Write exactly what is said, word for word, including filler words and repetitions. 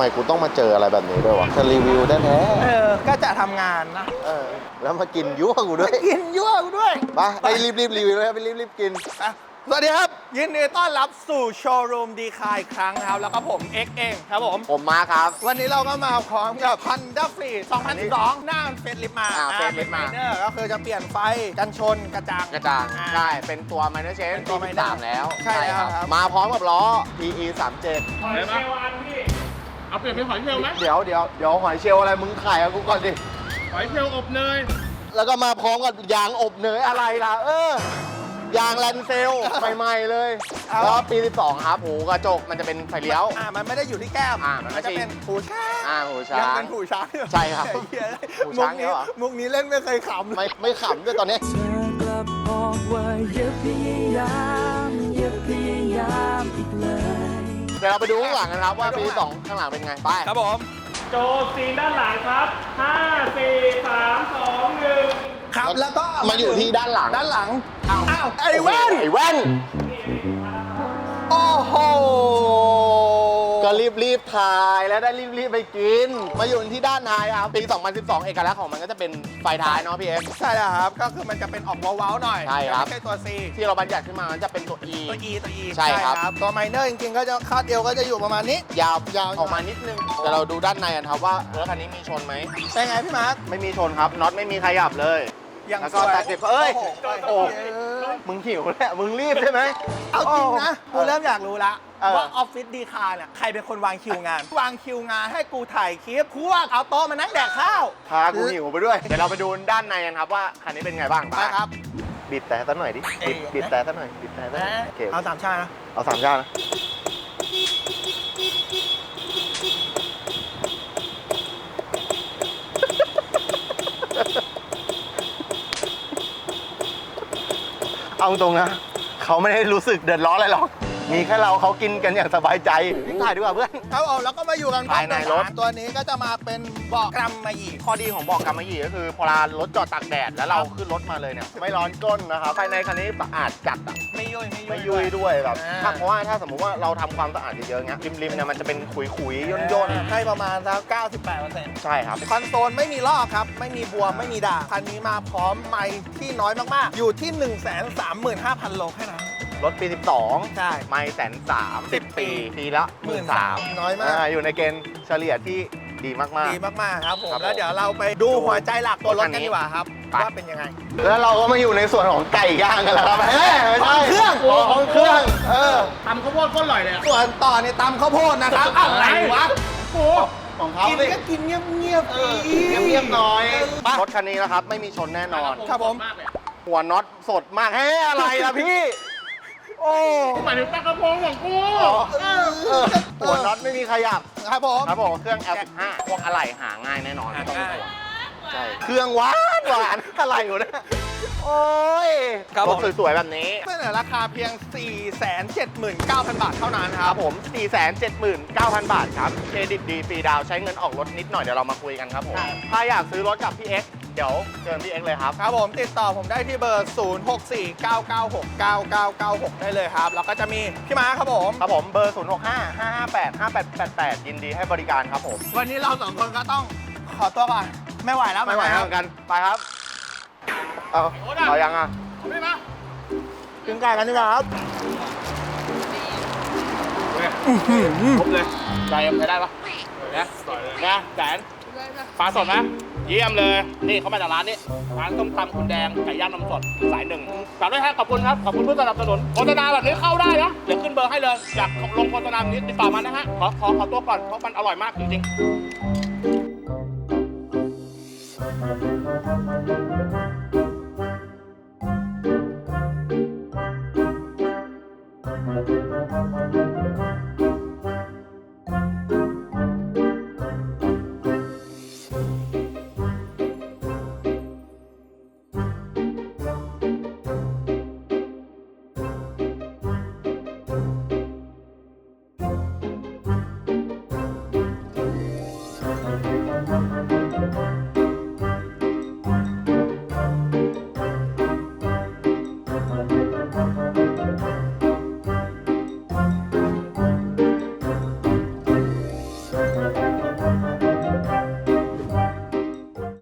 กูต้องมาเจออะไรแบบนี้ด้วยวะจะรีวิวแท้ๆเออก็จะทำงานนะเออแล้วมากินยั่วกูด้วยกินยั่วกูด้วยไปไปรีบรีบรีวิวเลยไปรีบรีบกินอ่ะสวัสดีครับ ยินดีต้อนรับสู่โชว์รูมดีคายอีกครั้งนะครับ แล้วก็ผม เอ็กซ์ เองครับผมผมมาครับวันนี้เราก็มาพร้อมกับ Honda Freed สองพันสิบสอง หน้ามันเฟซลิฟต์มาอ่าอ่า facelift มาเนอร์ก็คือจะเปลี่ยนไฟกันชนกระจังกระจ่างอ่าใช่เป็นตัว minor change เป็นตัวปี minor สามแล้วใช่แล้วครับมาพร้อมกับล้อ พี อี สามเจ็ดหอยเชลล์อันพี่ เอาเปลี่ยนเป็นหอยเชลล์ไหมเดี๋ยวเดี๋ยวเดี๋ยวหอยเชลล์อะไรมึงขายกับกูก่อนดิหอยเชลล์อบเนยแล้วก็มาพร้อมกับยางอบเนยอะไรล่ะ เออยางแลนเซล ใหม่ๆเลยแล้วปีสิบสองครับหูกระจกมันจะเป็นไฟเลี้ยวอ่ามันไม่ได้อยู่ที่แก้มอ่ามันไม่จะใช่เป็นผูช้างอ่าหูช้างยังเป็นผูช้างอยู่ใช่ครับเหี้ยผูมุช้าก งนี้เหรอมุกนี้เล่นไม่เคยขำไม่ไม่ขำด้วยตอนนี้เธอกลับบอกว่าอย่าพยายามอย่าพยายามอีกเลยเดี๋ยวเราไปดูข้างหลังกันครับว่าปีสองข้างหลังเป็นไงไปครับผมโจซีนด้านหลังครับ ห้า สี่ สาม สอง หนึ่งครับแล้วก็มาอยู่ที่ด้านหลังด้านหลังอ้าวไอ้แว่นไอ้แว่นโอ้โหก็รีบรีบถ่ายแล้วได้รีบรีบไปกิน มาอยู่ที่ด้านท้ายครับ ปี สองพันสิบสอง เอกลักษณ์ของมันก็จะเป็นไฟท้ายเนาะพี่เอ็มใช่แล้วครับ ก็คือมันจะเป็นออกเว้าๆหน่อยใช่ครับไม่ใช่ตัว C ที่เราบัญญัติขึ้นมามันจะเป็นตัว E ตัว E ตัว E ใช่ครับตัวไมเนอร์จริงๆ ก็จะคาดเอวก็จะอยู่ประมาณนี้ยาวยาวออกมานิดนึงแต่เราดูด้านในกันครับว่ารถคันนี้มีชนไหมเป็นไงพี่มาร์คไม่มีชนครับน็อตไม่มีขยับเลยยังแล้วก็สวยตัดเจ็บเอ้ยโอ้โหโอ้มึงหิวแหละมึงรีบใช่ไหมเอาจริงนะกูเริ่มอยากรู้ละเออว่าออฟฟิศดีคาร์เนี่ยใครเป็นคนวางคิวงาน วางคิวงานให้กูถ่ายคลิปพวกเอาโต๊ะมานั่งแดกข้าวพากูหิวไปด้วย เดี๋ยวเราไปดูด้านในกันครับว่าคันนี้เป็นไงบ้างไปครับบีบแต่ซะหน่อยดิเอ้บียบบีบแต่ซะหน่อยบีบแต่ซะหน่อยโอเคเอาสามชาตินะเอาสามชาตินะเอาตรงนะเขาไม่ได้รู้สึกเดือดร้อนอะไรหรอก มีแค่เราเขากินกันอย่างสบายใจถ่ายดีกว่าเพื่อนครับผมแล้วก็มาอยู่กันภายในรถตัวนี้ก็จะมาเป็นเบาะกรัมมาอีกข้อดีของเบอกกำมะหยี่ก็คือพอรถจอดตากแดดแล้วเราขึ้นรถมาเลยเนี่ยไม่ร้อนก้นนะครับภายในคันนี้สะอาดจัดอ่ะไม่ยุ่ยไม่ยุ่ยไม่ยุ่ยด้วยแบบอ่าถ้าเพราะว่าถ้าสมมุติว่าเราทำความสะอาดเยอะๆเงี้ยริมๆเนี่ยมันจะเป็นขุยๆย่นให้ประมาณสักเก้าสิบแปดเปอร์เซ็นต์ๆใช่ครับคอนโซลไม่มีลอกครับ ไม่มีบวม ไม่มีด่างคันนี้มาพร้อมไมค์ที่น้อยมาก ๆ อยู่ที่ หนึ่งแสนสามหมื่นห้าพัน โลแค่นั้นรถปีสิบสองใช่ไม่แสนสามสิบปีปีละหมื่นสามน้อยมากอยู่ในเกณฑ์เฉลี่ยที่ดีมากดีมาก ๆ ครับผมครับผมแล้วเดี๋ยวเราไปดูหัวใจหลักตัวรถกันดีกว่าครับไปว่าเป็นยังไงๆแล้วเราก็มาอยู่ในส่วนของไก่ย่างกันแล้วครับเฮ้ยไม่ใช่ของเครื่องของเครื่องเออทำข้าวโพดก็อร่อยเลยอะส่วนต่อในตำข้าวโพดนะครับ อะไรวะโอ้ของเขากินสิก็กินเงียบๆเอสิอเงียบๆหน่อยไปรถคันนี้นะครับไม่มีชนแน่นอนครับผมมากเลยอะหัวน็อตสดมากเฮ้ยอะไรล่ะพี่ โอ้หมายถึงปลากระพงของกูเออเออหัวน็อตไม่มีขยับครับผมครับผมเครื่อง แอล สิบห้า พวกอะไหล่หาง่ายแน่นอนหาไม่ต้องง่ายห่วงใช่เครื่องหวานหวานอะไรอยู่เนี่ยโอ้ยครับรผถมสวยๆแบบนี้เสนอราคาเพียง สี่แสนเจ็ดหมื่นเก้าพัน บาทเท่านั้นคครัรับ บผม สี่แสนเจ็ดหมื่นเก้าพัน บาทครับเครดิตดีฟรีดาวน์ใช้เงินออกรถนิดหน่อยเดี๋ยวเรามาคุยกันครับผมครับถ้าอยากซื้อรถกับพี่เอ็กซ์เดี๋ยวเชิญพี่เอ็กซ์เลยครับครับผมติดต่อผมได้ที่เบอร์ ศูนย์ หก สี่ เก้า เก้า หก เก้า เก้า เก้า หก ได้เลยครับ แล้วก็จะมีพี่ม้าครับผมครับผมเบอร์ ศูนย์ หก ห้า ห้า ห้า แปด ห้า แปด แปด แปด ยินดีให้บริการครับผมวันนี้เราสองคนก็ต้องขอตัวก่อน ไม่ไหวแล้วไม่ไหวคเหรัมือนกัน ไปครับ เอาเอายังอ่ะไม่มากินไก่กันดีกว่าครับครบเลยใจยังใช้ได้ปะนะนะแสนฟ้าสดไหมเยี่ยมเลย นี่เขามาจากร้านนี้ ร้านต้มตำคุณแดงไก่ย่างนมสดสายหนึ่งฝากด้วยครับขอบคุณครับ ขอบคุณผู้สนับสนุนโฆษณาแบบนี้เข้าได้นะ เดี๋ยวขึ้นเบอร์ให้เลย อยากลงโฆษณาแบบนี้ติดต่อมานะฮะ ขอขอขอตัวก่อน เพราะมันอร่อยมากจริงๆ